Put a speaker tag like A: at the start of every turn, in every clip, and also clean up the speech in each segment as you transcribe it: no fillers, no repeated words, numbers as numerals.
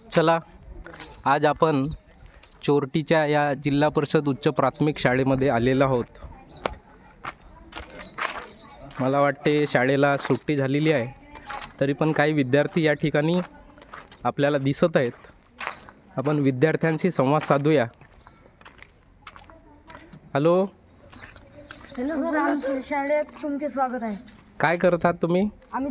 A: चला, आज आपण चोरटीच्या या जिल्हा परिषद उच्च प्राथमिक शाळेमध्ये आलेलो आहोत. मला वाटते शाळेला सुट्टी झालेली आहे, तरी पण काही विद्यार्थी या ठिकाणी आपल्याला दिसत आहेत. आपण विद्यार्थ्यांशी संवाद साधूया. हॅलो
B: हॅलो सर, आमच्या शाळेत तुमचे स्वागत आहे.
A: काय करतात तुम्ही?
B: आम्ही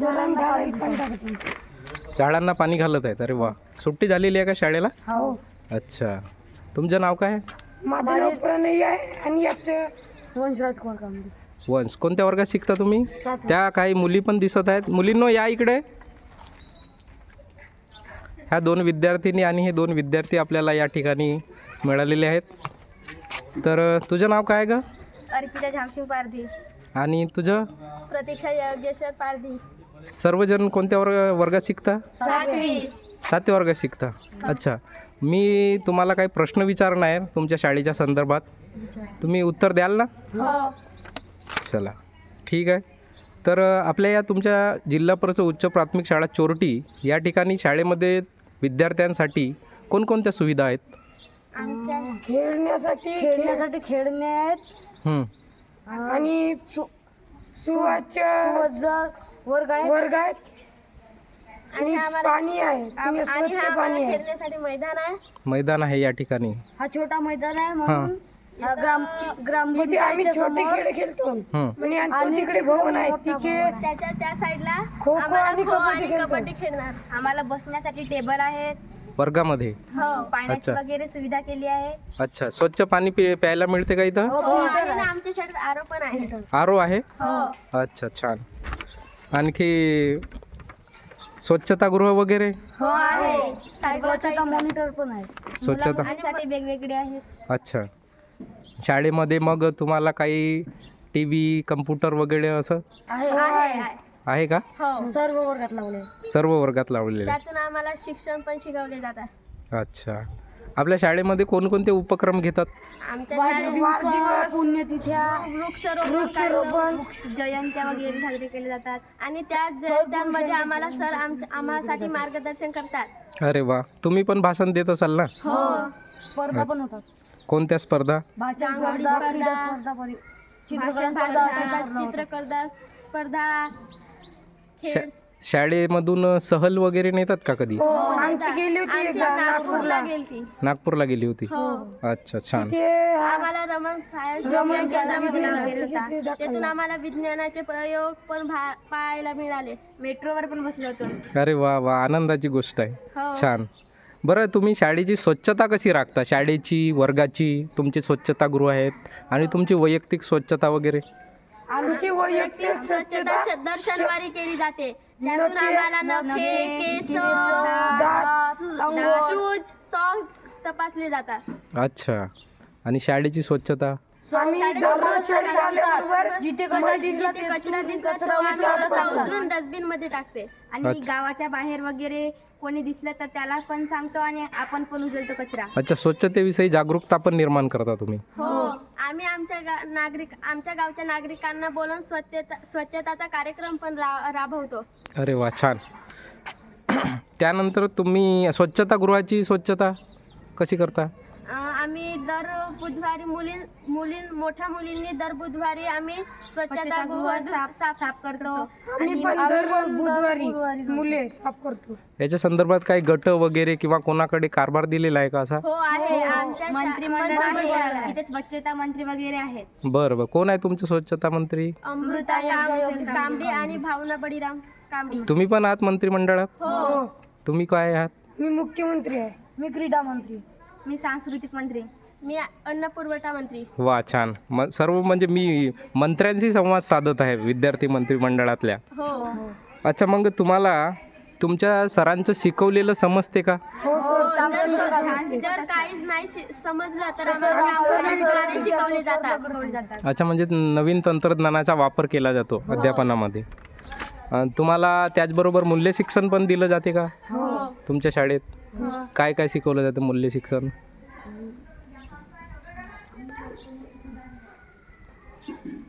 A: झाडांना पाणी घालत आहेत. अरे वा, सुट्टी झालेली आहे का शाळेला?
B: हो.
A: अच्छा, तुमचं नाव काय?
B: माझं नाव प्रणय आहे आणि याचं वंशराज कुमार कांबळे.
A: वंश. कोणत्या वर्गात शिकता तुम्ही?
B: सातवी.
A: त्या काही मुली पण दिसत आहेत. मुलींनो, या इकडे. ह्या दोन विद्यार्थिनी आणि हे दोन विद्यार्थी आपल्याला या ठिकाणी मिळालेले आहेत. तर तुझं नाव काय ग?
C: अर्पिता झामसिंग पारधी.
A: आणि तुझं?
C: प्रतीक्षा योगेश्वर पारधी.
A: सर्वजण कोणत्या वर्गात शिकता?
C: सातवी.
A: सातव्या वर्गात शिकता. अच्छा, मी तुम्हाला काही प्रश्न विचारणार आहे तुमच्या शाळेच्या संदर्भात. तुम्ही उत्तर द्याल ना?
C: हो.
A: चला, ठीक आहे. तर आपल्या या तुमच्या जिल्हा परिषद उच्च प्राथमिक शाळा चोरटी या ठिकाणी शाळेमध्ये विद्यार्थ्यांसाठी कोणकोणत्या सुविधा आहेत?
B: खेळण्यासाठी खेळणे आहेत आणि सुवाच्य वर्ग आहेत आणि पाणी आहे.
C: आणि
B: स्वच्छ
C: हा
B: पाणी आहे.
C: खेळण्यासाठी मैदान आहे.
A: मैदान आहे या ठिकाणी.
B: हा छोटा मैदान आहे
A: हां.
B: म्हणून ग्राम
D: तिथे आम्ही छोटे खेळ खेळतो आणि तिकडे भवन आहे तिथे
C: त्याच्या त्या साईडला
D: खो खो
C: आम्हाला
D: आणि
C: खो
D: कबड्डी
C: आणि
D: खेळतो.
C: कबड्डी खेळणार. आम्हाला बसण्यासाठी टेबल आहेत.
A: वर्गामध्ये?
C: हो. पाण्याची
A: अच्छा.
C: वगैरे सुविधा केली आहे.
A: अच्छा, स्वच्छ पाणी प्यायला मिळते का इथं?
C: हो, आहे ना, आमच्या शाळेत आरो पण आहे.
A: आरो आहे?
C: हो.
A: अच्छा, छान. आणखी स्वच्छतागृह वगैरे?
C: हो आहे.
B: स्वच्छता मॉनिटर पण आहे.
A: स्वच्छता.
C: मुलांसाठी वेगवेगळे आहेत.
A: अच्छा, शाळेमध्ये मग तुम्हाला काही टी व्ही, कम्प्युटर वगैरे असं
C: आहे.
A: आहे का?
C: हो.
B: सर्व वर्गात लावले.
A: सर्व वर्गात लावलेले?
C: त्यातून आम्हाला शिक्षण पण शिकवले जातात.
A: अच्छा, आपल्या शाळेमध्ये कोणकोणते उपक्रम घेतात?
C: आमच्या शाळेत
B: वाढदिवस, पुण्यतिथ्या,
C: वृक्षारोपण, जयंत्या वगैरे साजरे केले जातात. आणि त्या जयंत्यांमध्ये आम्हाला सर आम्हासाठी मार्गदर्शन करतात.
A: अरे वा, तुम्ही पण भाषण देत असाल ना?
C: हो.
B: स्पर्धा पण होतात.
A: कोणत्या स्पर्धा?
B: भाषण
C: रांगोळी
B: स्पर्धा, क्रीडा
C: स्पर्धा,
B: स्पर्धा,
C: भाषण
B: चित्रकला स्पर्धा,
C: स्पर्धा, चित्रकला स्पर्धा, खेळ.
A: शाळेमधून सहल वगैरे नेतात का कधी?
D: आमची गेली होती
C: आमच्या नागपूरला गेलती.
A: नागपूरला गेली होती?
C: हो.
A: अच्छा, छान.
C: आम्हाला रमण सायन्स केंद्रामध्ये नेलं होतं. त्यातून आम्हाला विज्ञानाचे प्रयोग पण पाहायला मिळाले. मेट्रोवर पण बसलो होतो.
A: अरे वा वा, आनंदाची गोष्ट आहे.
C: हो.
A: छान. बरं, तुम्ही शाळेची स्वच्छता कशी राखता? शाळेची, वर्गाची, तुमचे स्वच्छतागृह आहेत आणि तुमची वैयक्तिक स्वच्छता वगैरे?
D: आमची वैयक्तिक
C: स्वच्छता दर शनिवारी केली जाते. त्यातून आम्हाला नखे, केस, शूज, सॉक्स तपासले जातात.
A: अच्छा, आणि शाळेची स्वच्छता?
D: आम्ही दररोज शाळेत आल्याबरोबर
B: जिथे कचरा दिसला
C: जिथे कचरा दिसला तो आम्ही तसा उचलून डस्टबिन मध्ये टाकते. आणि
A: अच्छा.
C: गावाच्या बाहेर वगैरे कोणी दिसलं तर त्याला पण सांगतो आणि आपण पण उचलतो कचरा.
A: अच्छा, स्वच्छतेविषयी जागरूकता पण निर्माण करता तुम्ही?
C: हो. आम्ही आमच्या गावच्या नागरिकांना बोलून स्वच्छताचा कार्यक्रम पण राबवतो.
A: अरे वा, छान. त्यानंतर तुम्ही स्वच्छतागृहाची स्वच्छता कशी करता?
C: आम्ही दर बुधवारी मोठ्या मुलींनी दर बुधवारी आम्ही स्वच्छतागृह साफ करतो.
D: आम्ही पण दर बुधवारी मुले साफ करतो.
A: याच्या संदर्भात काही गट वगैरे किंवा कोणाकडे कारभार दिलेला आहे का असा?
C: हो आहे. आमच्या मंत्रिमंडळ आहे. तिथे स्वच्छता मंत्री वगैरे आहेत.
A: बरं बरं, कोण आहे तुमचे स्वच्छता मंत्री?
C: अमृता कांबळे आणि भावना बळीराम कांबळे.
A: तुम्ही पण आहात मंत्रिमंडळात?
C: हो.
A: तुम्ही काय आहात?
D: मी मुख्यमंत्री आहे.
B: मी क्रीडा मंत्री.
C: मी सांस्कृतिक मंत्री. मी अन्न पुरवठा मंत्री.
A: वा, छान. सर्व म्हणजे मी मंत्र्यांशी संवाद साधत आहे विद्यार्थी मंत्रिमंडळातल्या.
C: हो.
A: अच्छा, मग तुम्हाला तुमच्या सरांचं शिकवलेलं समजते का?
C: जर काहीच नाही समजलं तर आम्हाला शिकवले जातात.
A: अच्छा, म्हणजे नवीन तंत्रज्ञानाचा वापर केला जातो अध्यापनामध्ये. तुम्हाला त्याचबरोबर मूल्य शिक्षण पण दिलं जाते का तुमच्या शाळेत? काय काय शिकवलं जातं मूल्य शिक्षण?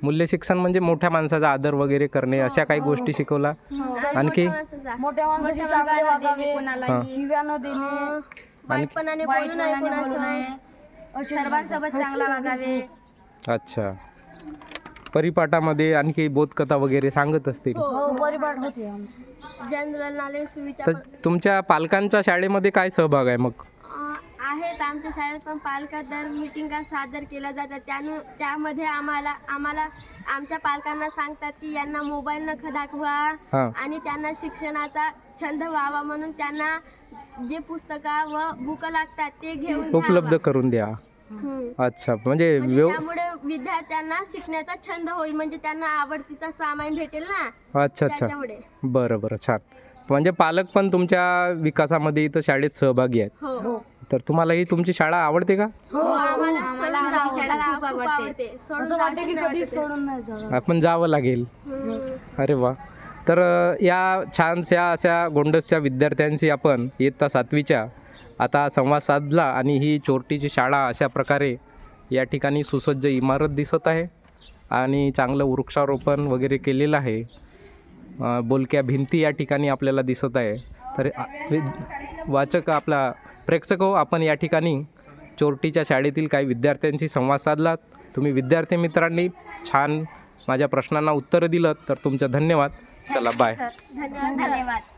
A: मूल्य शिक्षण म्हणजे मोठ्या माणसाचा आदर वगैरे करणे अशा काही गोष्टी शिकवला. आणखी
D: मोठ्या माणसाची चांगले वागावे,
A: हां.
D: शिव्या न देणे,
C: वाईटपणाने बोलू नये कोणासोबत.
D: सर्वांसोबत चांगला वागावे.
A: अच्छा. परिपाठामध्ये आणखी बोधकथा वगैरे सांगत असतील.
D: हो, परिपाठ होते.
C: जनरल नॉलेज
A: तर
C: विचार
A: तुमच्या पालकांच्या शाळेमध्ये काय सहभाग आहे मग?
C: आहेत आमच्या शाळेत पण पालका दर मिटिंगा सादर केल्या जातात. त्यामध्ये आम्हाला आमच्या पालकांना सांगतात की यांना मोबाईल न दाखवा
A: हां.
C: आणि त्यांना शिक्षणाचा छंद व्हावा म्हणून त्यांना जे पुस्तकं व बुक लागतात ते घेऊन
A: उपलब्ध
C: द्यावा.
A: करून द्या.
C: हम्म.
A: अच्छा, म्हणजे
C: म्हणजे त्यामुळे विद्यार्थ्यांना शिकण्याचा छंद होईल, म्हणजे त्यांना आवडतीचा सामान भेटेल ना.
A: अच्छा अच्छा.
C: त्याच्यामुळे
A: बरं बरं, छान. म्हणजे पालक पण तुमच्या विकासामध्ये इथं शाळेत सहभागी आहेत.
C: हो
A: तर तुम्हाला ही तुमची शाळा आवडते का?
C: हो, आम्हाला सोडून जायला खूप आवडते. सोडून
D: असं वाटतं की
C: जायला
D: कधी
C: आवडते.
D: सोडून नाही जावं.
A: आपण जावं लागेल.
C: हम्म.
A: अरे वा. तर या छानशा अशा गोंडसच्या विद्यार्थ्यांशी आपण इयत्ता 7वीच्या आता संवाद साधला आणि ही चोरटीची शाळा अशा प्रकारे या ठिकाणी सुसज्ज इमारत दिसत आहे आणि चांगलं वृक्षारोपण वगैरे केलेलं आहे. बोलक्या भिंती या ठिकाणी आपल्याला दिसत आहे. तर वाचक आपला प्रेक्षक हो, आपण या ठिकाणी चोरटीच्या शाळेतील काही विद्यार्थ्यांशी संवाद साधलात. तुम्ही विद्यार्थी मित्रांनी छान माझ्या प्रश्नांना उत्तरं दिलं तर तुमचं धन्यवाद. चला बाय.
C: धन्यवाद.